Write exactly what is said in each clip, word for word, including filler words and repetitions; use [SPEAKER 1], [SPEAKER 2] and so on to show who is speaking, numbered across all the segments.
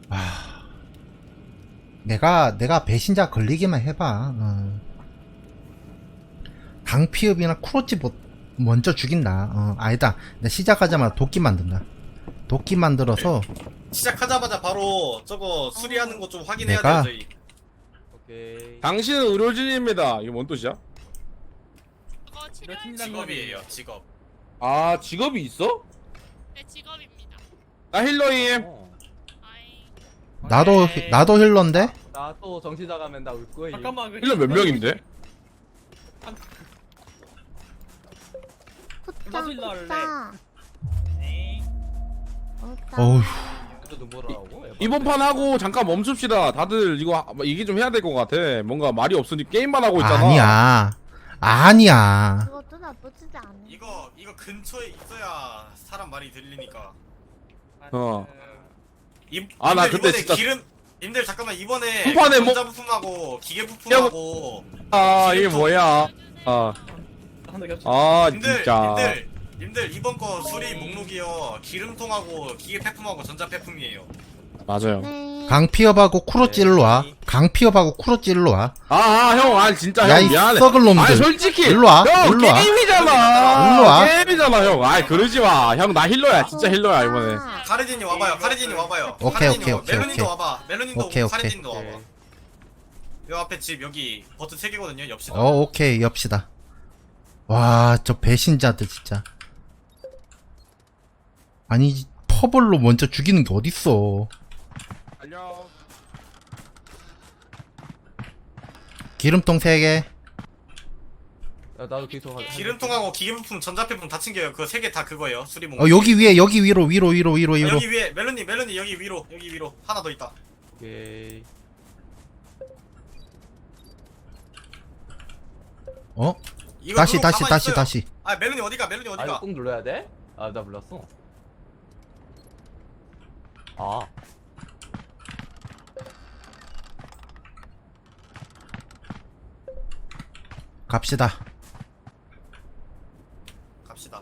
[SPEAKER 1] 아, 내가 내가 배신자 걸리기만 해봐. 어. 강피읍이나 쿠로치 뭐, 먼저 죽인다. 어, 아니다. 내가 시작하자마자 도끼 만든다. 도끼 만들어서
[SPEAKER 2] 시작하자마자 바로 저거 수리하는 거 좀 확인해야
[SPEAKER 1] 내가-
[SPEAKER 2] 돼요 저희.
[SPEAKER 3] 오케이.
[SPEAKER 4] 당신은 의료진입니다. 이게 뭔 뜻이야?
[SPEAKER 5] 그거 치료할
[SPEAKER 3] 팀장-
[SPEAKER 2] 직업이에요 직업.
[SPEAKER 4] 아 직업이 있어?
[SPEAKER 5] 제 직업입니다.
[SPEAKER 4] 나 힐러임.
[SPEAKER 3] 어.
[SPEAKER 5] 아이,
[SPEAKER 1] 나도
[SPEAKER 3] 오케이.
[SPEAKER 1] 나도 힐러인데.
[SPEAKER 3] 나 또 정신 나가면 나 울 거야.
[SPEAKER 2] 잠깐만
[SPEAKER 4] 힐러 몇 명인데?
[SPEAKER 6] 굿자 굿자
[SPEAKER 1] 어휴.
[SPEAKER 3] 또 눈물 나오고.
[SPEAKER 4] 이번 판 하고 잠깐 멈춥시다. 다들 이거 하- 얘기 좀 해야 될 것 같아. 뭔가 말이 없으니 게임만 하고 있잖아.
[SPEAKER 1] 아니야. 아니야.
[SPEAKER 6] 그것도 나쁘지 않아.
[SPEAKER 2] 이거 이거 근처에 있어야 사람 말이 들리니까.
[SPEAKER 4] 어.
[SPEAKER 2] 이,
[SPEAKER 4] 아, 나
[SPEAKER 2] 님들
[SPEAKER 4] 그때
[SPEAKER 2] 이번에
[SPEAKER 4] 진짜-
[SPEAKER 2] 기름 님들 잠깐만 이번에
[SPEAKER 4] 한 판에 뭐-
[SPEAKER 2] 전자 부품하고 기계 부품하고
[SPEAKER 4] 아 이게 뭐야? 아, 아
[SPEAKER 2] 님들
[SPEAKER 4] 진짜.
[SPEAKER 2] 님들 님들 이번 거 수리 목록이요 기름통하고 기계 폐품하고 전자 폐품이에요.
[SPEAKER 4] 맞아요.
[SPEAKER 6] 네.
[SPEAKER 1] 강피업하고 쿠로치 일로 와. 강피업하고 쿠로치 일로 와.
[SPEAKER 4] 아, 아, 형, 아, 진짜,
[SPEAKER 1] 야,
[SPEAKER 4] 형,
[SPEAKER 1] 이
[SPEAKER 4] 미안해.
[SPEAKER 1] 썩을 놈들.
[SPEAKER 4] 아니, 솔직히.
[SPEAKER 1] 일로 와,
[SPEAKER 4] 형,
[SPEAKER 1] 일로 와.
[SPEAKER 4] 게임이잖아.
[SPEAKER 1] 일로 와.
[SPEAKER 4] 게임이잖아, 형. 아이, 그러지 마. 형, 나 힐러야. 진짜 힐러야, 이번에.
[SPEAKER 6] 아,
[SPEAKER 2] 카레딘이 와봐요. 카레딘이 와봐요.
[SPEAKER 1] 오케이,
[SPEAKER 2] 카레딘이
[SPEAKER 1] 오케이,
[SPEAKER 2] 와봐.
[SPEAKER 1] 오케이,
[SPEAKER 2] 멜로님도
[SPEAKER 1] 오케이.
[SPEAKER 2] 와봐. 멜로님도
[SPEAKER 1] 오케이,
[SPEAKER 2] 오고
[SPEAKER 1] 오케이.
[SPEAKER 2] 카레딘도 와봐. 요 앞에 집 여기 버튼 세 개거든요. 옆시다.
[SPEAKER 1] 어, 오케이. 엽시다. 와, 저 배신자들 진짜. 아니, 퍼블로 먼저 죽이는 게 어딨어.
[SPEAKER 4] 안녕.
[SPEAKER 1] 기름통 세 개.
[SPEAKER 3] 야, 나도 계속 하.
[SPEAKER 2] 기름통하고 기계 부품, 전자 폐품 다 챙겨요. 그 세 개 다 그거예요. 수리 목록.
[SPEAKER 1] 어, 여기 위에, 여기 위로, 위로, 위로, 위로,
[SPEAKER 2] 아,
[SPEAKER 1] 위로.
[SPEAKER 2] 여기 위에 멜로님, 멜로님 여기 위로, 여기 위로 하나 더 있다.
[SPEAKER 3] 오케이.
[SPEAKER 1] 어?
[SPEAKER 2] 이거
[SPEAKER 1] 다시,
[SPEAKER 2] 누르고
[SPEAKER 1] 다시,
[SPEAKER 2] 가만히
[SPEAKER 1] 다시,
[SPEAKER 2] 있어요.
[SPEAKER 1] 다시.
[SPEAKER 2] 아 멜로님 어디가? 멜로님
[SPEAKER 3] 아 이거
[SPEAKER 2] 어디가?
[SPEAKER 3] 꾹 눌러야 돼? 아 나 몰랐어. 아.
[SPEAKER 1] 갑시다.
[SPEAKER 2] 갑시다.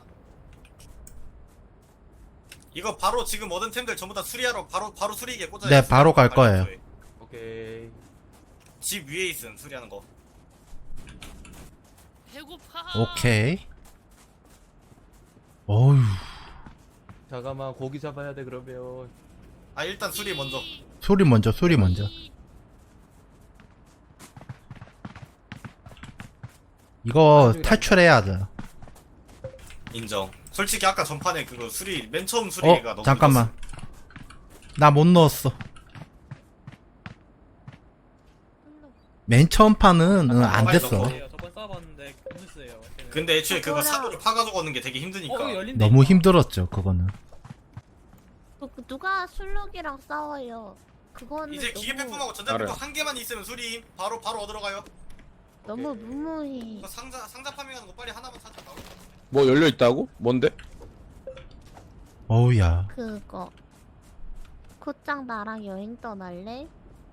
[SPEAKER 2] 이거 바로 지금 얻은 템들 전부 다 수리하러 바로 바로 수리기에 꽂아요.
[SPEAKER 1] 네, 바로 갈 거예요.
[SPEAKER 3] 오케이.
[SPEAKER 2] 집 위에 있음 수리하는 거.
[SPEAKER 5] 배고파.
[SPEAKER 1] 오케이. 어휴.
[SPEAKER 3] 잠깐만 고기 잡아야 돼 그러면.
[SPEAKER 2] 아 일단 수리 먼저.
[SPEAKER 1] 소리 먼저, 소리 먼저. 이거 탈출해야 돼.
[SPEAKER 2] 인정. 솔직히 아까 전판에 그거 수리 맨 처음 수리가
[SPEAKER 1] 어,
[SPEAKER 2] 너무
[SPEAKER 1] 잠깐만. 나 못 넣었어. 맨 처음 판은 응, 안
[SPEAKER 2] 빨리
[SPEAKER 1] 됐어.
[SPEAKER 2] 넣어.
[SPEAKER 7] 저번 써봤는데 괜찮았어요.
[SPEAKER 2] 늦었어. 근데 애초에 그거
[SPEAKER 6] 그거랑-
[SPEAKER 2] 사도를 파가지고 얻는 게 되게 힘드니까.
[SPEAKER 7] 어, 열린다.
[SPEAKER 1] 너무 힘들었죠, 그거는.
[SPEAKER 6] 그- 그 누가 술록이랑 싸워요. 그거는
[SPEAKER 2] 이제 기계
[SPEAKER 6] 너무,
[SPEAKER 2] 폐품하고 전자 폐품
[SPEAKER 4] 알아요.
[SPEAKER 2] 한 개만 있으면 수리 바로 바로 얻으러 가요.
[SPEAKER 6] 너무
[SPEAKER 3] 오케이.
[SPEAKER 6] 무모해.
[SPEAKER 2] 이거 상자 상자 파밍하는 거 빨리 하나만 찾아 나올 거.
[SPEAKER 4] 뭐 열려 있다고? 뭔데?
[SPEAKER 1] 어우야.
[SPEAKER 6] 그거. 코짱 나랑 여행 떠날래?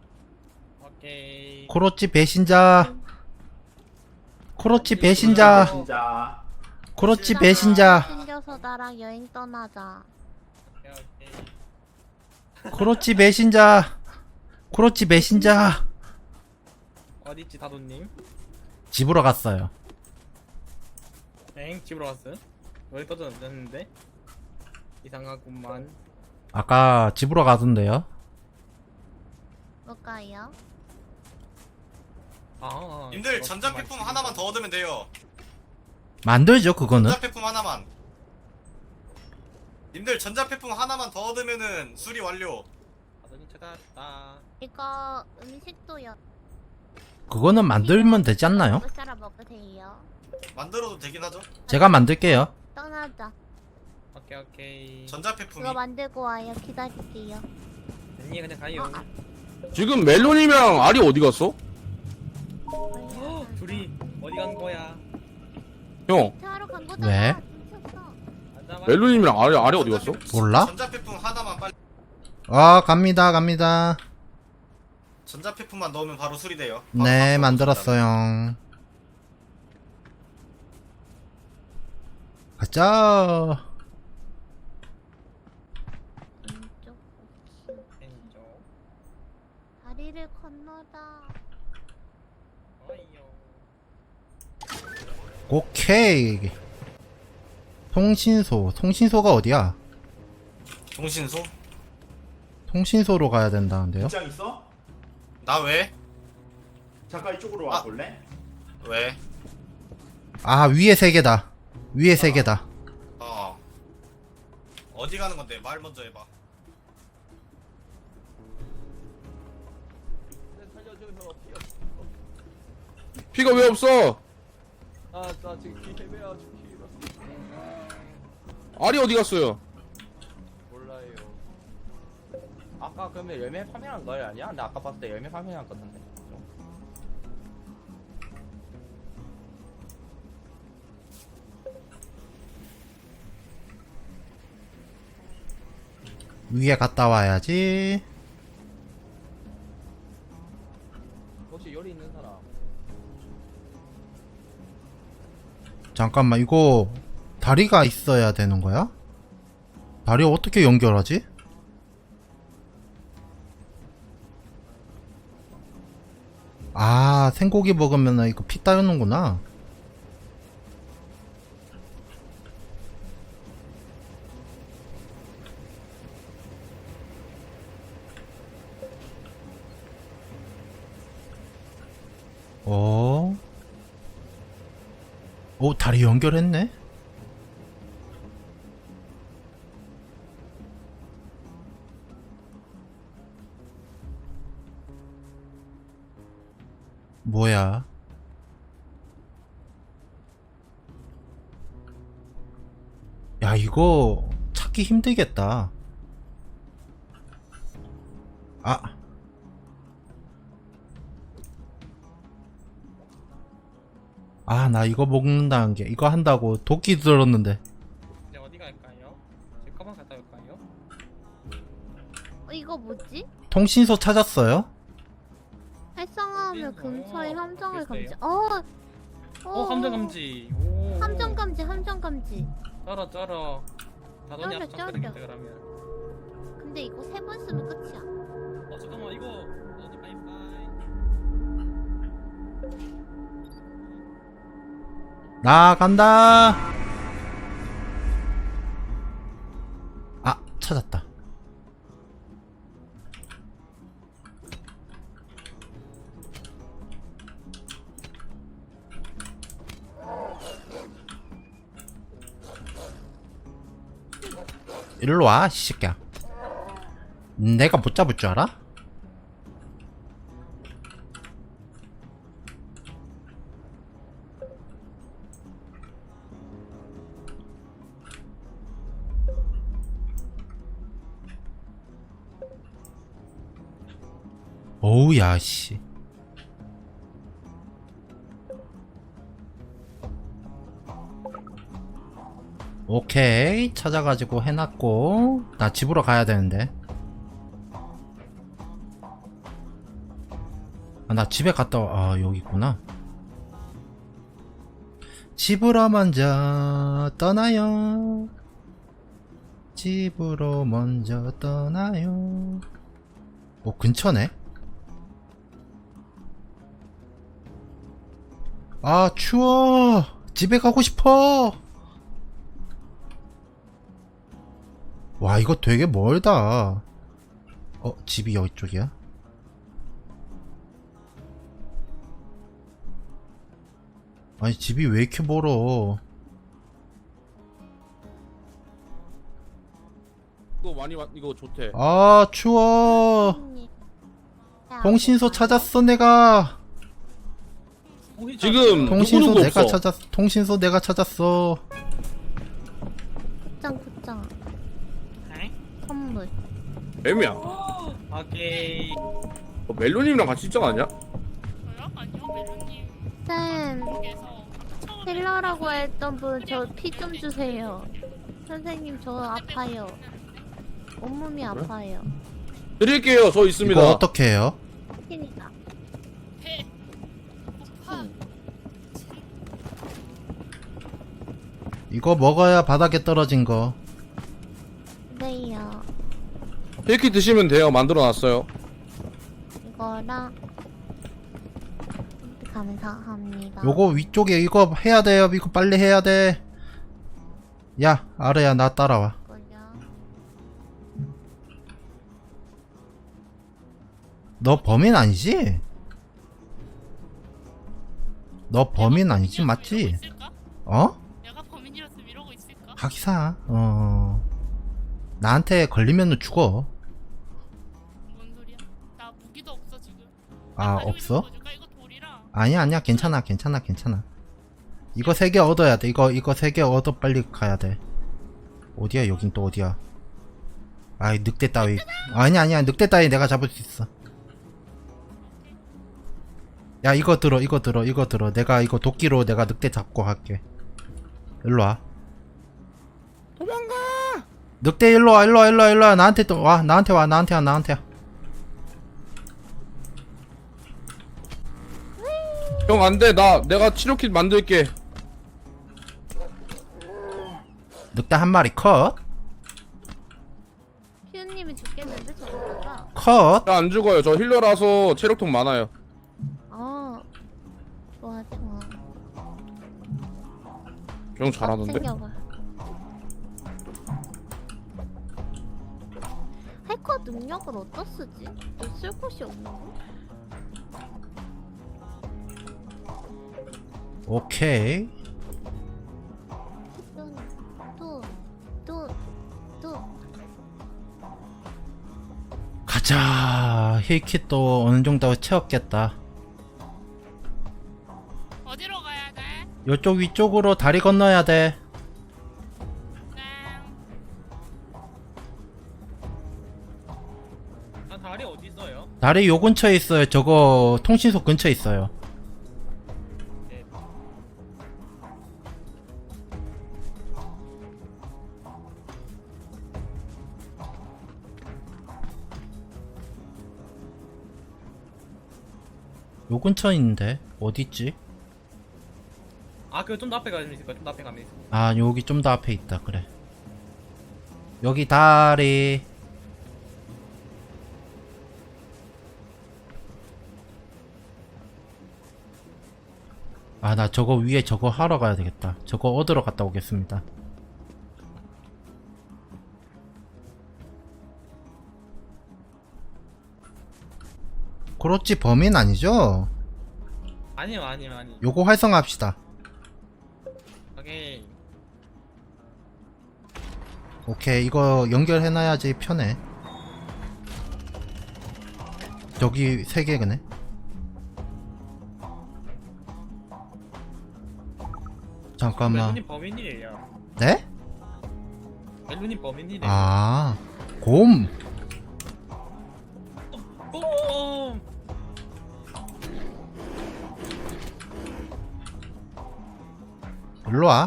[SPEAKER 7] 오케이.
[SPEAKER 1] 코로치 배신자. 코로치 배신자. 코로치 배신자.
[SPEAKER 6] 생겨서 나랑 여행 떠나자.
[SPEAKER 7] 오케이, 오케이.
[SPEAKER 1] 코로치 배신자. 코로치 배신자.
[SPEAKER 7] 어디있지 다도님?
[SPEAKER 1] 집으로 갔어요.
[SPEAKER 7] 엥 집으로 갔어요? 여기 떠졌는데? 이상하구만.
[SPEAKER 1] 아까 집으로 가던데요.
[SPEAKER 6] 뭘까요?
[SPEAKER 7] 아.
[SPEAKER 2] 님들
[SPEAKER 7] 그렇구만.
[SPEAKER 2] 전자 폐품 하나만 더 얻으면 돼요.
[SPEAKER 1] 만들죠, 그거는.
[SPEAKER 2] 전자 폐품 하나만. 님들 전자 폐품 하나만 더 얻으면은 수리 완료.
[SPEAKER 7] 다도님 찾았다.
[SPEAKER 6] 이거 음식도요.
[SPEAKER 1] 그거는 만들면 되지 않나요?
[SPEAKER 6] 먹을 사람 먹으세요.
[SPEAKER 2] 만들어도 되긴 하죠.
[SPEAKER 1] 제가 만들게요.
[SPEAKER 6] 떠나자.
[SPEAKER 7] 오케이 오케이.
[SPEAKER 2] 전자 폐품이.
[SPEAKER 6] 그거 만들고 와요. 기다릴게요.
[SPEAKER 7] 언니 그냥 가요.
[SPEAKER 6] 아,
[SPEAKER 4] 지금 멜론이랑 알이 어디 갔어?
[SPEAKER 7] 어, 둘이 어디 간 거야?
[SPEAKER 4] 형,
[SPEAKER 6] 하러 간 거잖아.
[SPEAKER 1] 왜?
[SPEAKER 6] 훔쳤어.
[SPEAKER 7] 앉아봐.
[SPEAKER 4] 멜론이랑 알이, 알이 어디
[SPEAKER 2] 전자
[SPEAKER 4] 갔어?
[SPEAKER 2] 폐품-
[SPEAKER 1] 몰라?
[SPEAKER 2] 전자 폐품 하나만 빨리.
[SPEAKER 1] 아, 갑니다, 갑니다.
[SPEAKER 2] 전자 폐품만 넣으면 바로 수리돼요. 바로
[SPEAKER 1] 네,
[SPEAKER 2] 바로
[SPEAKER 1] 만들었어요. 가자.
[SPEAKER 6] 왼쪽.
[SPEAKER 7] 왼쪽.
[SPEAKER 6] 다리를 건너다.
[SPEAKER 7] 어이요.
[SPEAKER 1] 오케이. 통신소. 통신소가 어디야?
[SPEAKER 2] 통신소?
[SPEAKER 1] 통신소로 가야 된다는데요?
[SPEAKER 8] 입장 있어?
[SPEAKER 2] 나 왜?
[SPEAKER 8] 잠깐 이쪽으로 와
[SPEAKER 2] 아.
[SPEAKER 8] 볼래?
[SPEAKER 2] 왜?
[SPEAKER 1] 아, 위에 세 개다. 위에 세 개다.
[SPEAKER 2] 어. 어디 가는 건데? 말 먼저 해봐.
[SPEAKER 3] 네, 살려줘요. 피어.
[SPEAKER 4] 피가 왜 없어?
[SPEAKER 3] 아, 나 지금 기 헤매야 지금.
[SPEAKER 4] 알이 어디 갔어요?
[SPEAKER 3] 몰라요. 아까 그러면 열매 파밍한 거 아니야? 근데 아까 봤을 때 열매 파밍한 거 같은데.
[SPEAKER 1] 위에 갔다 와야지.
[SPEAKER 3] 혹시 요리 있는 사람?
[SPEAKER 1] 잠깐만, 이거 다리가 있어야 되는 거야? 다리 어떻게 연결하지? 아, 생고기 먹으면 이거 피 따르는구나. 어? 오, 다리 연결했네? 뭐야? 야, 이거 찾기 힘들겠다. 아. 아, 나 이거 먹는다는 게, 이거 한다고 도끼 들었는데.
[SPEAKER 7] 이제 어디 갈까요? 제 가방 갔다 올까요?
[SPEAKER 6] 어, 이거 뭐지?
[SPEAKER 1] 통신소 찾았어요?
[SPEAKER 6] 활성화하면
[SPEAKER 7] 어딨어?
[SPEAKER 6] 근처에 함정을
[SPEAKER 7] 글쎄요.
[SPEAKER 6] 감지. 어.
[SPEAKER 7] 어, 함정 감지. 오.
[SPEAKER 6] 함정 감지, 함정 감지.
[SPEAKER 7] 쩔어 쩔어. 다돈이
[SPEAKER 6] 쩔어,
[SPEAKER 7] 합성
[SPEAKER 6] 쩔어.
[SPEAKER 7] 되겠다 그러면.
[SPEAKER 6] 근데 이거 세 번 쓰면 끝이야.
[SPEAKER 7] 어 잠깐만 이거 어디 바이바이.
[SPEAKER 1] 나 간다. 아, 찾았다. 일로 와, 이 새끼야. 내가 못 잡을 줄 알아? 어우, 야, 씨. 오케이, 찾아가지고 해놨고. 나 집으로 가야 되는데. 아, 나 집에 갔다 와. 아, 여기 있구나. 집으로 먼저 떠나요. 집으로 먼저 떠나요. 뭐 근처네? 아, 추워. 집에 가고 싶어. 와, 이거 되게 멀다. 어, 집이 여기 쪽이야? 아니, 집이 왜 이렇게 멀어?
[SPEAKER 4] 이거 많이 왔- 이거 좋대.
[SPEAKER 1] 아, 추워.
[SPEAKER 6] 언니. 야,
[SPEAKER 1] 통신소
[SPEAKER 6] 어디
[SPEAKER 1] 찾았어, 내가.
[SPEAKER 7] 오히
[SPEAKER 4] 지금
[SPEAKER 1] 통신소
[SPEAKER 4] 누구 누구
[SPEAKER 1] 내가
[SPEAKER 4] 없어?
[SPEAKER 1] 찾았어. 통신소 내가 찾았어.
[SPEAKER 6] 굿장, 굿장.
[SPEAKER 7] 에?
[SPEAKER 6] 선물.
[SPEAKER 4] 애미야.
[SPEAKER 7] 오케이.
[SPEAKER 4] 어, 멜로님이랑 같이 있잖아 아니야?
[SPEAKER 5] 저요? 아니요, 멜로님
[SPEAKER 6] 쌤,
[SPEAKER 5] 쪽에서 처음에
[SPEAKER 6] 힐러라고 했던 분 저 피 좀 주세요. 선생님 저 아파요. 온몸이 아파요.
[SPEAKER 4] 드릴게요. 저 있습니다.
[SPEAKER 1] 이거 어떻게 해요?
[SPEAKER 6] 피니까.
[SPEAKER 5] 배 고파
[SPEAKER 1] 이거 먹어야 바닥에 떨어진 거.
[SPEAKER 6] 네요.
[SPEAKER 4] 이렇게 드시면 돼요. 만들어놨어요.
[SPEAKER 6] 이거랑 감사합니다.
[SPEAKER 1] 요거 위쪽에 이거 해야 돼요. 이거 빨리 해야 돼. 야, 아래야 나 따라와.
[SPEAKER 6] 이거요.
[SPEAKER 1] 너 범인 아니지? 너 범인 아니지, 맞지?
[SPEAKER 5] 이러고 있을까?
[SPEAKER 1] 어?
[SPEAKER 5] 내가 범인이었으면 이러고 있을까?
[SPEAKER 1] 하기사. 어. 나한테 걸리면 죽어.
[SPEAKER 5] 뭔 소리야? 나 무기도 없어 지금.
[SPEAKER 1] 아,
[SPEAKER 5] 가지고
[SPEAKER 1] 없어?
[SPEAKER 5] 있는 거 줄까? 이거 돌이랑.
[SPEAKER 1] 아니야, 아니야. 괜찮아, 괜찮아, 괜찮아. 이거 세 개 얻어야 돼. 이거, 이거 세 개 얻어 빨리 가야 돼. 어디야, 여긴 또 어디야? 아이, 늑대 따위. 아니야, 아니야. 늑대 따위 내가 잡을 수 있어. 야, 이거 들어, 이거 들어, 이거 들어. 내가 이거 도끼로 내가 늑대 잡고 갈게. 일로 와.
[SPEAKER 4] 도망가.
[SPEAKER 1] 늑대 일로 와, 일로 와, 일로 와, 일로 와. 나한테 또 와, 나한테 와, 나한테 와, 나한테 와.
[SPEAKER 4] 형 안돼. 나 내가 치료킷 만들게.
[SPEAKER 1] 늑대 한 마리 컷.
[SPEAKER 6] 피우님이 죽겠는데 저거가.
[SPEAKER 1] 컷.
[SPEAKER 4] 나 안 죽어요. 저 힐러라서 체력통 많아요.
[SPEAKER 6] 어. 좋아 좋아.
[SPEAKER 4] 형 잘하던데.
[SPEAKER 6] 챙겨봐. 해커 능력을 어디다 쓰지? 또 쓸 곳이 없는 거?
[SPEAKER 1] 오케이.
[SPEAKER 6] 또, 또, 또.
[SPEAKER 1] 가자. 힐킷도 어느 정도 채웠겠다.
[SPEAKER 5] 어디로 가야 돼?
[SPEAKER 1] 요쪽 위쪽으로 다리 건너야 돼.
[SPEAKER 5] 네.
[SPEAKER 7] 아 다리 어디 있어요?
[SPEAKER 1] 다리 요 근처에 있어요. 저거 통신소 근처에 있어요. 요 근처에 있는데 어딨지?
[SPEAKER 7] 아 그거 좀 더 앞에 가면 있을 거야. 좀 더 앞에 가면 있을 거야.
[SPEAKER 1] 아, 여기 좀 더 앞에 있다. 그래. 여기 다리. 아, 나 저거 위에 저거 하러 가야 되겠다. 저거 얻으러 갔다 오겠습니다. 그렇지, 범인 아니죠?
[SPEAKER 7] 아니요 아니요 아니.
[SPEAKER 1] 요거 활성화합시다.
[SPEAKER 7] 오케이.
[SPEAKER 1] 오케이, 이거 연결해놔야지 편해. 저기 세 개네. 잠깐만.
[SPEAKER 7] 멜로님 범인이에요.
[SPEAKER 1] 네?
[SPEAKER 7] 멜로님 범인이래요.
[SPEAKER 1] 아, 곰.
[SPEAKER 7] 꼼!
[SPEAKER 1] 일로와.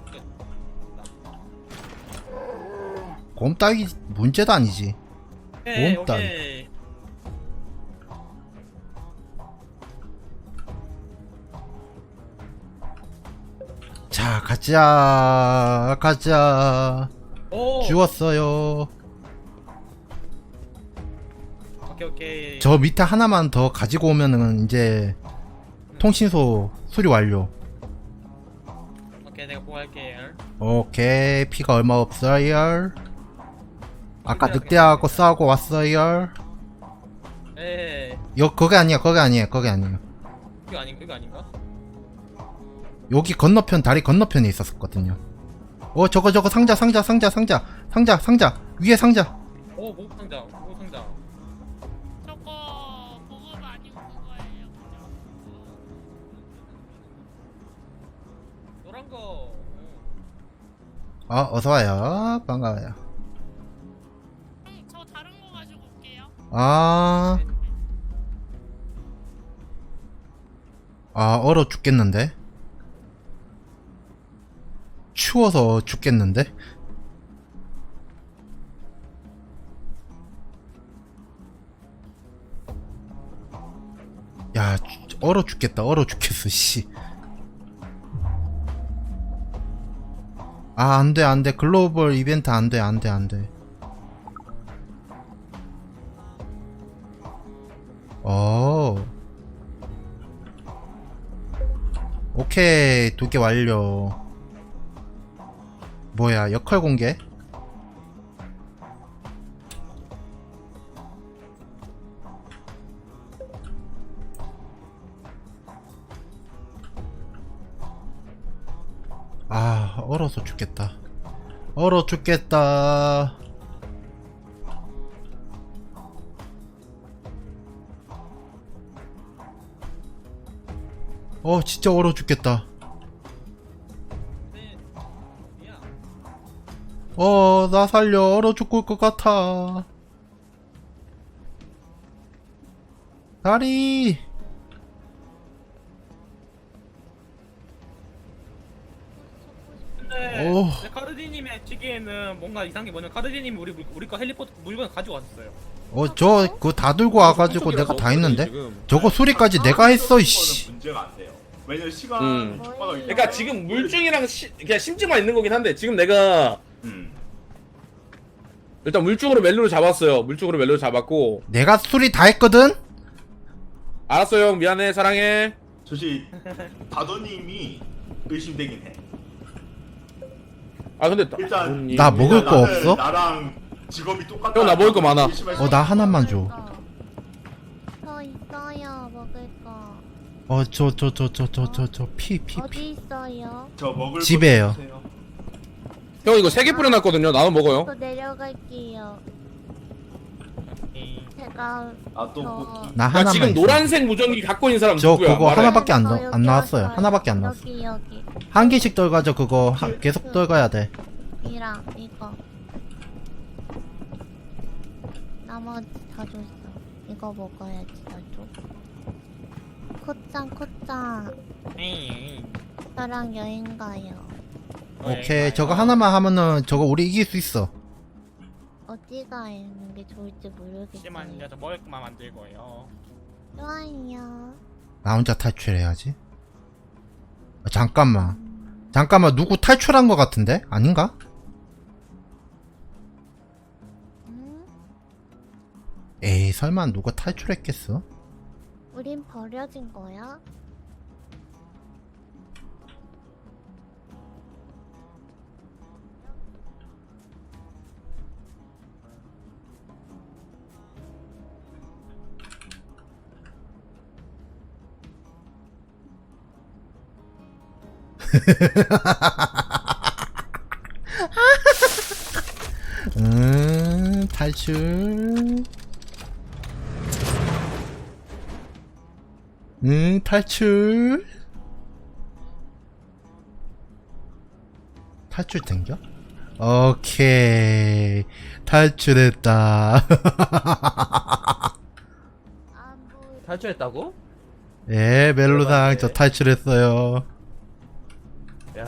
[SPEAKER 1] 곰 따위 문제도 아니지.
[SPEAKER 7] 오케이
[SPEAKER 1] 꼼따.
[SPEAKER 7] 오케이.
[SPEAKER 1] 자, 가자. 가자.
[SPEAKER 7] 오.
[SPEAKER 1] 주웠어요.
[SPEAKER 7] 오케이 오케이.
[SPEAKER 1] 저 밑에 하나만 더 가지고 오면은 이제 통신소 수리 완료.
[SPEAKER 7] 오케이 내가 보고할게요.
[SPEAKER 1] 오케이, 피가 얼마 없어요. 아까 늑대하고 싸우고 왔어요.
[SPEAKER 7] 에
[SPEAKER 1] 여 거기 아니야, 거기 아니에요, 거기 아니에요.
[SPEAKER 7] 이거 아닌 이거 아닌가?
[SPEAKER 1] 여기 건너편, 다리 건너편에 있었거든요. 어, 저거 저거 상자 상자 상자 상자 상자 상자 위에 상자.
[SPEAKER 7] 오 보급 상자 보급 상자.
[SPEAKER 5] 저거 보급 아니고 그거예요. 그죠?
[SPEAKER 7] 노란 거.
[SPEAKER 1] 어, 어서와요. 반가워요.
[SPEAKER 5] 형, 저 다른 거 가지고 올게요.
[SPEAKER 1] 아, 아, 얼어 죽겠는데? 추워서 죽겠는데? 야, 주- 얼어 죽겠다. 얼어 죽겠어, 씨. 아, 안 돼, 안 돼. 글로벌 이벤트 안 돼, 안 돼, 안 돼. 어. 오케이, 두 개 완료. 뭐야, 역할 공개? 아, 얼어서 죽겠다. 얼어 죽겠다. 어, 진짜 얼어 죽겠다. 어, 나 살려. 얼어 죽을 것 같아. 다리.
[SPEAKER 7] 근데
[SPEAKER 1] 오.
[SPEAKER 7] 근데 카르디님의 시기에는 뭔가 이상한 게 뭐냐면 카르디님이 우리 물- 우리 거 헬리포트 물건 가지고 왔었어요.
[SPEAKER 1] 어, 저, 그거 다 들고 와가지고 내가 다 했는데?
[SPEAKER 4] 지금.
[SPEAKER 1] 저거 수리까지 내가 했어,
[SPEAKER 8] 거는
[SPEAKER 1] 이씨.
[SPEAKER 8] 문제가 안 돼요. 왜냐면 시간
[SPEAKER 4] 음.
[SPEAKER 8] 촉박하기 때문에.
[SPEAKER 4] 그러니까 지금 물증이랑 시, 그냥 심증만 있는 거긴 한데 지금 내가
[SPEAKER 8] 음.
[SPEAKER 4] 일단 물증으로 멜로를 잡았어요. 물증으로 멜로를 잡았고
[SPEAKER 1] 내가 수리 다 했거든?
[SPEAKER 4] 알았어 형 미안해 사랑해.
[SPEAKER 8] 사실 다도님이 의심되긴 해.
[SPEAKER 4] 아 근데
[SPEAKER 8] 일단
[SPEAKER 4] 나,
[SPEAKER 1] 나 먹을 거
[SPEAKER 8] 나는
[SPEAKER 1] 없어?
[SPEAKER 8] 나랑 직업이 똑같다.
[SPEAKER 4] 형, 나 먹을 거 많아.
[SPEAKER 8] 의심할 수
[SPEAKER 1] 어, 나 하나만 줘.
[SPEAKER 6] 저 있어요, 먹을 거.
[SPEAKER 1] 어, 저, 저, 저, 저, 저, 저, 저, 피, 피, 피.
[SPEAKER 6] 어디 있어요?
[SPEAKER 8] 저 먹을
[SPEAKER 1] 집에요.
[SPEAKER 8] 거 주세요.
[SPEAKER 4] 형 이거 세 개 뿌려놨거든요. 나눠 먹어요.
[SPEAKER 6] 저 내려갈게요. 제가
[SPEAKER 8] 아, 또
[SPEAKER 6] 저-
[SPEAKER 8] 뭐-
[SPEAKER 1] 나
[SPEAKER 4] 나
[SPEAKER 1] 하나만
[SPEAKER 4] 지금
[SPEAKER 1] 있어.
[SPEAKER 4] 노란색 무전기 갖고 있는 사람
[SPEAKER 1] 저
[SPEAKER 4] 누구야?
[SPEAKER 1] 그거
[SPEAKER 4] 말해.
[SPEAKER 1] 하나밖에 안,
[SPEAKER 6] 저
[SPEAKER 1] 나,
[SPEAKER 6] 여기
[SPEAKER 1] 안 나왔어요.
[SPEAKER 6] 왔어요.
[SPEAKER 1] 하나밖에 안 나왔어.
[SPEAKER 6] 여기 여기
[SPEAKER 1] 한 개씩 떨가져, 그거. 하, 계속 떨가야 돼.
[SPEAKER 6] 이랑 이거 나머지 다 줬어. 이거 먹어야지 나도. 코짱 코짱 저랑 여행 가요.
[SPEAKER 1] 오케이, 저거 하나만 하면은 저거 우리 이길 수 있어.
[SPEAKER 6] 어디가 있는 게 좋을지 모르겠어요.
[SPEAKER 7] 잠시만요, 저 먹을 것만 만들고요.
[SPEAKER 6] 좋아요.
[SPEAKER 1] 나 혼자 탈출해야지. 아, 잠깐만. 잠깐만, 누구 탈출한 것 같은데? 아닌가?
[SPEAKER 6] 응?
[SPEAKER 1] 에이, 설마 누가 탈출했겠어?
[SPEAKER 6] 우린 버려진 거야?
[SPEAKER 1] 음, 탈출. 음, 탈출. 탈출 된겨? 오케이. 탈출했다.
[SPEAKER 6] 안 보여.
[SPEAKER 3] 탈출했다고?
[SPEAKER 1] 예, 멜로상 저 탈출했어요.
[SPEAKER 3] 야.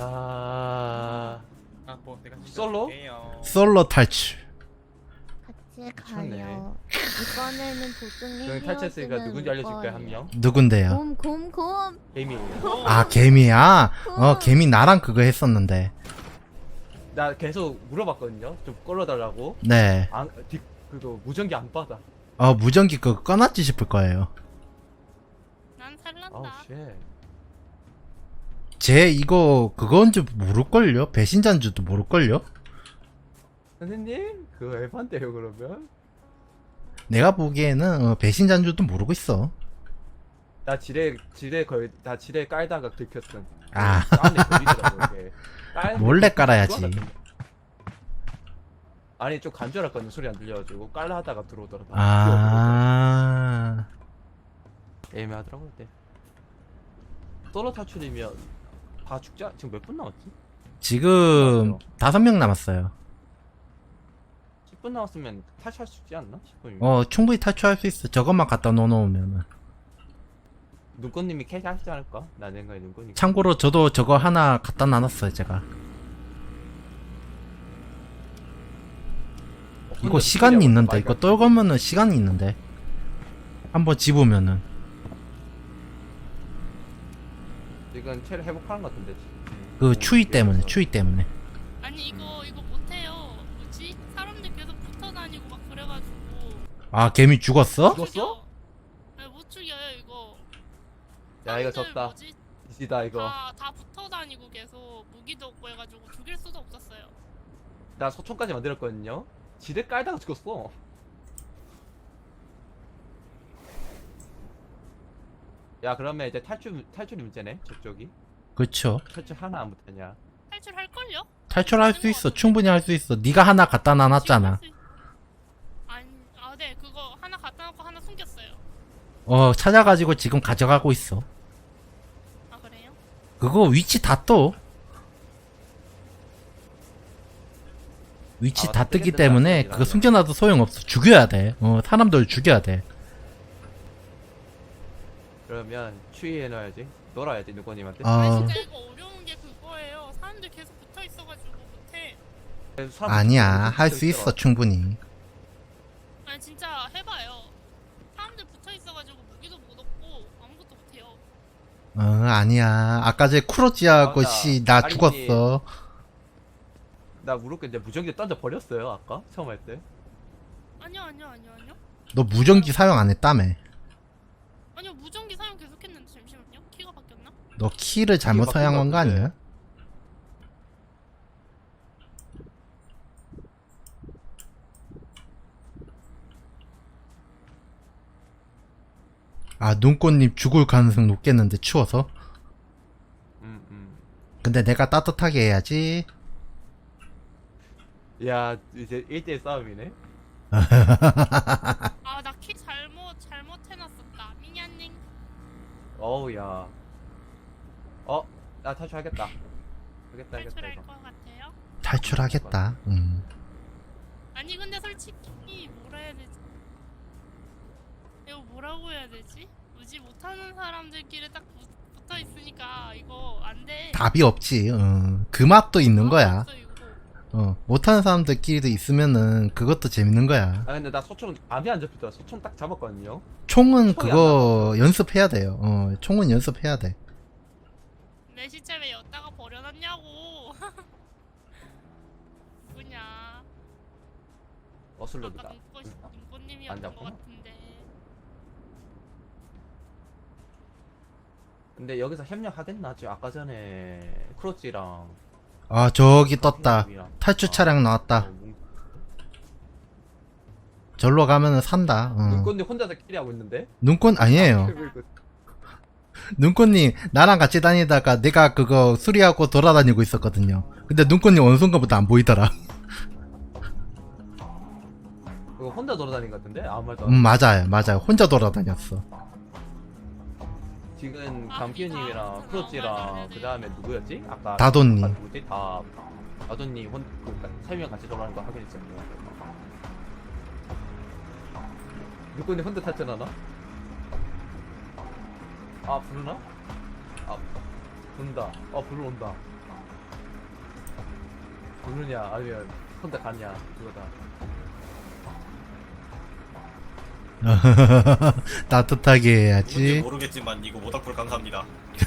[SPEAKER 7] 아, 뭐 내가
[SPEAKER 3] 솔로?
[SPEAKER 7] 시켜줄게요.
[SPEAKER 1] 솔로 탈출.
[SPEAKER 6] 같이
[SPEAKER 3] 미쳤네.
[SPEAKER 6] 가요. 이번에는 도중에
[SPEAKER 3] 형 탈출했으니까 누군지 알려줄까요 한 명?
[SPEAKER 1] 누군데요?
[SPEAKER 6] 곰, 곰, 곰.
[SPEAKER 3] 개미예요.
[SPEAKER 1] 아, 개미야? 어, 개미 나랑 그거 했었는데.
[SPEAKER 3] 나 계속 물어봤거든요. 좀 끌어달라고.
[SPEAKER 1] 네.
[SPEAKER 3] 안, 뒷, 그거 무전기 안 받아.
[SPEAKER 1] 어, 무전기 그거 꺼놨지 싶을 거예요.
[SPEAKER 5] 난
[SPEAKER 3] 아우
[SPEAKER 5] 살란다.
[SPEAKER 3] 쉣.
[SPEAKER 1] 쟤 이거 그건지 모를걸요? 배신자인 줄도 모를걸요?
[SPEAKER 3] 선생님 그거 에반데요 그러면?
[SPEAKER 1] 내가 보기에는 어, 배신자인 줄도 모르고 있어.
[SPEAKER 3] 나 지뢰 지뢰 거의 다 지뢰 깔다가 들켰음.
[SPEAKER 1] 아.
[SPEAKER 3] 안에 걸리더라고 이게. 깔-
[SPEAKER 1] 몰래 깔아야지.
[SPEAKER 3] 아니 좀 간절했거든 소리 안 들려가지고 깔라 하다가 들어오더라고.
[SPEAKER 1] 아.
[SPEAKER 3] 애매하더라고 그때. 솔로 탈출이면 다 죽자. 지금 몇 분 남았지?
[SPEAKER 1] 지금 다섯 명 남았어요.
[SPEAKER 3] 십 분 남았으면 탈출할 수 있지 않나? 십 분이면.
[SPEAKER 1] 어, 충분히 탈출할 수 있어. 저것만 갖다 놓으면은.
[SPEAKER 3] 눈꽃님이 캐시 하시지 않을까? 나 생각에 눈꽃님.
[SPEAKER 1] 참고로 저도 저거 하나 갖다 놔놨어요, 제가. 이거 시간이 있는데, 이거 떨구면은 시간이 있는데. 한번 집으면은.
[SPEAKER 3] 이건 체를 회복하는 것 같은데.
[SPEAKER 1] 그 추위 때문에, 추위 때문에.
[SPEAKER 5] 아니 이거 이거 못해요. 뭐지? 사람들 계속 붙어 다니고 막 그래가지고.
[SPEAKER 1] 아, 개미 죽었어?
[SPEAKER 3] 죽었어?
[SPEAKER 5] 네,
[SPEAKER 3] 야, 이거
[SPEAKER 5] 사람들
[SPEAKER 3] 졌다.
[SPEAKER 5] 뭐지?
[SPEAKER 3] 이지다 이거.
[SPEAKER 5] 다, 다 붙어 다니고 계속 무기도 없고 해가지고 죽일 수도 없었어요.
[SPEAKER 3] 나 소총까지 만들었거든요. 지뢰 깔다가 죽었어. 야, 그러면 이제 탈출 탈출이 문제네. 저쪽이.
[SPEAKER 1] 그쵸.
[SPEAKER 3] 탈출 하나 안 붙었냐?
[SPEAKER 5] 탈출할걸요?
[SPEAKER 1] 탈출할 수 있어. 충분히 할 수 있어. 네가 하나 갖다 놔놨잖아.
[SPEAKER 5] 지금 할 수- 아니, 아, 네, 그거 하나 갖다 놓고 하나 숨겼어요.
[SPEAKER 1] 어, 찾아가지고 지금 가져가고 있어.
[SPEAKER 5] 아, 그래요?
[SPEAKER 1] 그거 위치 다 떠. 위치
[SPEAKER 3] 아,
[SPEAKER 1] 다
[SPEAKER 3] 다
[SPEAKER 1] 뜨기
[SPEAKER 3] 뜨겠는데,
[SPEAKER 1] 때문에
[SPEAKER 3] 아직이라면.
[SPEAKER 1] 그거 숨겨놔도 소용없어. 죽여야 돼. 어, 사람들 죽여야 돼.
[SPEAKER 3] 그러면 추위해놔야지. 놀아야지 누구님한테.
[SPEAKER 1] 아,
[SPEAKER 5] 아니, 진짜 이거 어려운 게 그거예요. 사람들 계속 붙어 있어가지고 못해.
[SPEAKER 3] 그래서 사람
[SPEAKER 1] 아니야.
[SPEAKER 3] 붙어
[SPEAKER 1] 할 수 있어. 충분히.
[SPEAKER 5] 아니, 진짜 해봐요. 사람들 붙어 있어가지고 무기도 못 얻고 아무것도 못해요.
[SPEAKER 1] 어, 아니야. 아까 제 쿠로지하고
[SPEAKER 3] 맞아.
[SPEAKER 1] 씨, 나
[SPEAKER 3] 아니,
[SPEAKER 1] 죽었어.
[SPEAKER 3] 나 무릎 이제 무전기 던져 버렸어요 아까 처음 할 때.
[SPEAKER 5] 아니요, 아니요, 아니요, 아니요.
[SPEAKER 1] 너 무전기 사용 안 했다며.
[SPEAKER 5] 아니요, 무전기 사용 계속했는데 잠시만요. 키가 바뀌었나?
[SPEAKER 1] 너 키를 잘못
[SPEAKER 3] 바뀐
[SPEAKER 1] 사용한
[SPEAKER 3] 것
[SPEAKER 1] 거
[SPEAKER 3] 같은데.
[SPEAKER 1] 아니야? 아, 눈꽃님 죽을 가능성 높겠는데, 추워서?
[SPEAKER 3] 음 음.
[SPEAKER 1] 근데 내가 따뜻하게 해야지.
[SPEAKER 3] 야 이제 일 대일 싸움이네.
[SPEAKER 5] 아, 나 키 잘못 잘못 해놨었다. 미냐님.
[SPEAKER 3] 어우 야. 어? 나 탈출하겠다. 하겠다 하겠다
[SPEAKER 5] 탈출할
[SPEAKER 3] 이거.
[SPEAKER 5] 것 같아요.
[SPEAKER 1] 탈출하겠다. 음.
[SPEAKER 5] 아니, 근데 솔직히 뭐라 해야 되지? 이거 뭐라고 해야 되지? 뭐지, 못하는 사람들끼리 딱 붙, 붙어 있으니까 이거 안 돼.
[SPEAKER 1] 답이 없지. 어. 그 맛도 있는 거야.
[SPEAKER 5] 없어, 이거.
[SPEAKER 1] 어. 못하는 사람들끼리도 있으면은 그것도 재밌는 거야.
[SPEAKER 3] 아 근데 나 소총 암이 안 잡히더라. 소총 딱 잡았거든요.
[SPEAKER 1] 총은
[SPEAKER 3] 총이
[SPEAKER 1] 그거 연습해야 돼요. 어. 총은 연습해야 돼.
[SPEAKER 5] 내 시체 왜 여기다가 버려놨냐고. 누구냐?
[SPEAKER 3] 어슬로드다.
[SPEAKER 5] 아까 눈꽃,
[SPEAKER 3] 안
[SPEAKER 5] 눈꽃님이었던 것
[SPEAKER 3] 잡구나.
[SPEAKER 5] 같은데.
[SPEAKER 3] 근데 여기서 협력하겠나? 지금 아까 전에 크로치랑
[SPEAKER 1] 아, 저기 떴다.
[SPEAKER 3] 랑
[SPEAKER 1] 탈출 차량 나왔다. 절로 가면은 산다. 어.
[SPEAKER 3] 눈꽃님 혼자서 캐리하고 있는데?
[SPEAKER 1] 눈꽃 아니에요. 눈꽃님 나랑 같이 다니다가 내가 그거 수리하고 돌아다니고 있었거든요. 근데 눈꽃님 어느 순간부터 안 보이더라.
[SPEAKER 3] 그거 혼자 돌아다닌 것 같은데? 아무 말도 안
[SPEAKER 1] 음, 맞아요, 맞아요. 혼자 돌아다녔어.
[SPEAKER 3] 지금
[SPEAKER 5] 아,
[SPEAKER 3] 감키님이랑
[SPEAKER 5] 이거
[SPEAKER 3] 크로치랑
[SPEAKER 5] 나와야
[SPEAKER 3] 그 다음에 누구였지? 아까
[SPEAKER 1] 다돈님.
[SPEAKER 3] 아까 누구지? 다 다돈님 혼 그러니까 세 명 같이 돌아가는 거 확인했잖아요. 누구니 혼자 탈출하나? 아 부르나? 아 부른다. 어 부르 온다. 부르냐 아니면 혼자 가냐 그거다.
[SPEAKER 1] 따뜻하게
[SPEAKER 2] 누군지
[SPEAKER 1] 해야지.
[SPEAKER 2] 모르겠지만 이거 모닥불 감사합니다.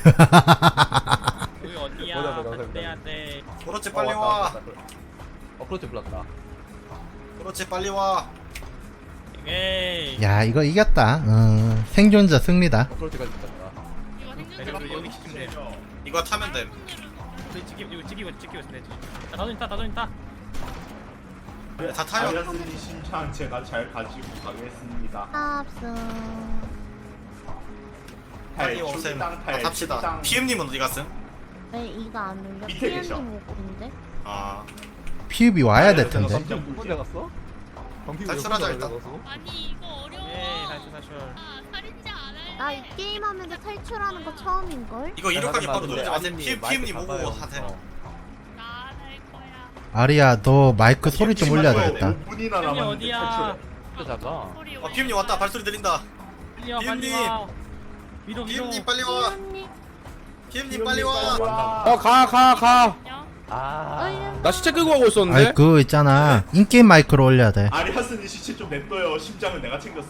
[SPEAKER 7] 여기 어디야?
[SPEAKER 3] 뭐다, 뭐다, 뭐다.
[SPEAKER 7] 반대해야 돼.
[SPEAKER 2] 그렇지
[SPEAKER 3] 어,
[SPEAKER 2] 빨리
[SPEAKER 3] 왔다,
[SPEAKER 2] 와.
[SPEAKER 3] 왔다, 왔다. 어 크로치 불렀다.
[SPEAKER 2] 그렇지 빨리 와.
[SPEAKER 7] 에이.
[SPEAKER 1] 야, 이거 이겼다. 어, 생존자 승리다.
[SPEAKER 3] 어 크로치까지 불렀다.
[SPEAKER 5] 이거 생존자
[SPEAKER 7] 여기 여기 시키면 돼.
[SPEAKER 2] 이거 타면 돼.
[SPEAKER 7] 여기 찍기 이거 찍기고 찍기고 있네. 자, 다돈 있다, 다돈 있다.
[SPEAKER 2] 다 타요.
[SPEAKER 8] 아리아스님 심창 제가 잘 가지고 가겠습니다.
[SPEAKER 6] 합승.
[SPEAKER 2] 빨리
[SPEAKER 8] 탈,
[SPEAKER 2] 오셈.
[SPEAKER 8] 출당,
[SPEAKER 2] 다
[SPEAKER 8] 탈,
[SPEAKER 2] 탑시다.
[SPEAKER 8] 출당.
[SPEAKER 2] 피엠님은 어디 갔음?
[SPEAKER 6] 왜 이거 안 눌려?
[SPEAKER 8] 밑에 계셔.
[SPEAKER 6] 피엠님 오픈데?
[SPEAKER 2] 아
[SPEAKER 1] 피읍이 와야 될 텐데.
[SPEAKER 3] 감기 혼자 갔어? 감기
[SPEAKER 2] 탈출하자, 일단.
[SPEAKER 5] 아니, 이거 어려워.
[SPEAKER 7] 에이, 탈출 탈출.
[SPEAKER 5] 아, 살인자 안 할래.
[SPEAKER 6] 나 이 게임 하면서 탈출하는 거 처음인걸?
[SPEAKER 2] 이거 이륙하기 바로 누르지 마세요.
[SPEAKER 3] 아드님,
[SPEAKER 2] 피엠
[SPEAKER 3] 마이크
[SPEAKER 2] 피엠님 오고
[SPEAKER 3] 가까이
[SPEAKER 2] 하세요.
[SPEAKER 3] 와서.
[SPEAKER 5] 나안 할 거야.
[SPEAKER 1] 아리야, 너 마이크 소리 좀 올려야 되겠다.
[SPEAKER 8] 오 분이나
[SPEAKER 7] 형님
[SPEAKER 8] 남았는데
[SPEAKER 7] 어디야?
[SPEAKER 8] 탈출해.
[SPEAKER 3] 혼자 잡아.
[SPEAKER 5] 소리
[SPEAKER 2] 어 피엠님 왔다. 발소리 들린다.
[SPEAKER 7] 빨리 와, 빨리
[SPEAKER 2] 피엠님.
[SPEAKER 7] 와. 위로 위로.
[SPEAKER 2] 피엠님 빨리 와.
[SPEAKER 6] 피엠님
[SPEAKER 2] 피엠님 빨리 와.
[SPEAKER 4] 어, 가, 가, 가.
[SPEAKER 3] 아.
[SPEAKER 6] 얼른
[SPEAKER 4] 나 시체 끄고 가고 있었는데.
[SPEAKER 1] 아이, 그거 있잖아. 인게임 마이크로 올려야 돼.
[SPEAKER 8] 아리아스님 시체 좀 냅둬요. 심장은 내가 챙겼어.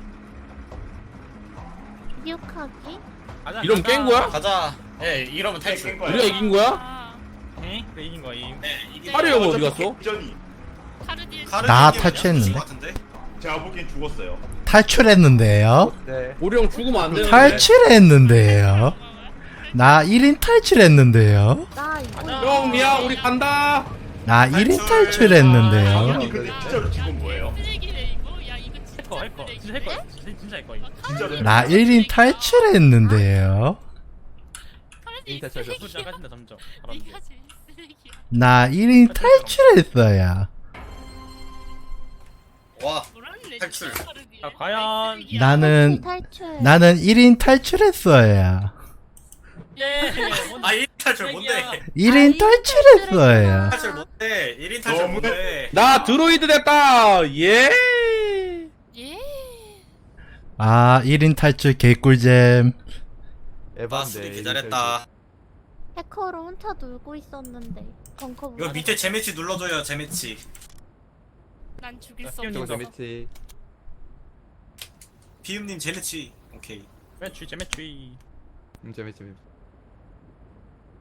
[SPEAKER 6] 기억하기?
[SPEAKER 7] 가자,
[SPEAKER 4] 이러면
[SPEAKER 7] 가자.
[SPEAKER 4] 깬 거야?
[SPEAKER 2] 가자. 예 이러면 탈출.
[SPEAKER 8] 깬 거야.
[SPEAKER 4] 우리가 이긴 거야?
[SPEAKER 5] 아,
[SPEAKER 7] 응? 그래 이긴 거야. 이긴.
[SPEAKER 2] 네 이게.
[SPEAKER 4] 파리 형 어디 갔어?
[SPEAKER 8] 전이
[SPEAKER 5] 카르디에
[SPEAKER 1] 나
[SPEAKER 2] 카르디님이야?
[SPEAKER 1] 탈출했는데?
[SPEAKER 2] 죽은 것 같은데?
[SPEAKER 8] 제가 보기엔 죽었어요.
[SPEAKER 1] 탈출했는데요.
[SPEAKER 3] 네.
[SPEAKER 4] 우리 형 죽으면 안 되는데.
[SPEAKER 1] 탈출했는데요. 나 일 인 탈출했는데요.
[SPEAKER 6] 나 이거
[SPEAKER 4] 형 미안 우리 간다.
[SPEAKER 1] 나 일 인 탈출했는데요.
[SPEAKER 8] 형님 근데 진짜로 지금 뭐예요?
[SPEAKER 5] 쓰레기네 이거. 야 이거 진짜
[SPEAKER 7] 해커 해커 진짜 해커 진짜 진짜 해커 이거.
[SPEAKER 8] 진짜로
[SPEAKER 1] 나 일 인 탈출했는데요.
[SPEAKER 3] 인터 쳐줘.
[SPEAKER 7] 진짜 까진다 점점.
[SPEAKER 5] 네가 제일 쓰레기야.
[SPEAKER 1] 나 일 인 탈출했어요.
[SPEAKER 2] 와
[SPEAKER 5] 뭐라는
[SPEAKER 2] 탈출.
[SPEAKER 7] 자, 과연
[SPEAKER 1] 나는
[SPEAKER 6] 탈출.
[SPEAKER 1] 나는 일 인 탈출했어요.
[SPEAKER 7] 예.
[SPEAKER 2] 아 일 인 탈출 뭔데?
[SPEAKER 1] 일 인 탈출했어요.
[SPEAKER 2] 탈출 뭔데? 일 인 탈출
[SPEAKER 8] 너무-
[SPEAKER 2] 뭔데?
[SPEAKER 4] 나 드로이드 됐다. 예.
[SPEAKER 5] 예.
[SPEAKER 1] 아, 일 인 탈출 개꿀잼.
[SPEAKER 2] 아 수리 개잘했다.
[SPEAKER 6] 해커로 혼자 놀고 있었는데 벙커
[SPEAKER 2] 이거 밑에 재매치 눌러줘요 재매치.
[SPEAKER 5] 난 죽일 수
[SPEAKER 7] 야,
[SPEAKER 3] 저거
[SPEAKER 5] 없어.
[SPEAKER 3] 재밌지.
[SPEAKER 2] 비음님 재매치. 오케이.
[SPEAKER 7] 매취 재매취.
[SPEAKER 3] 음 재밌지. 재밌지.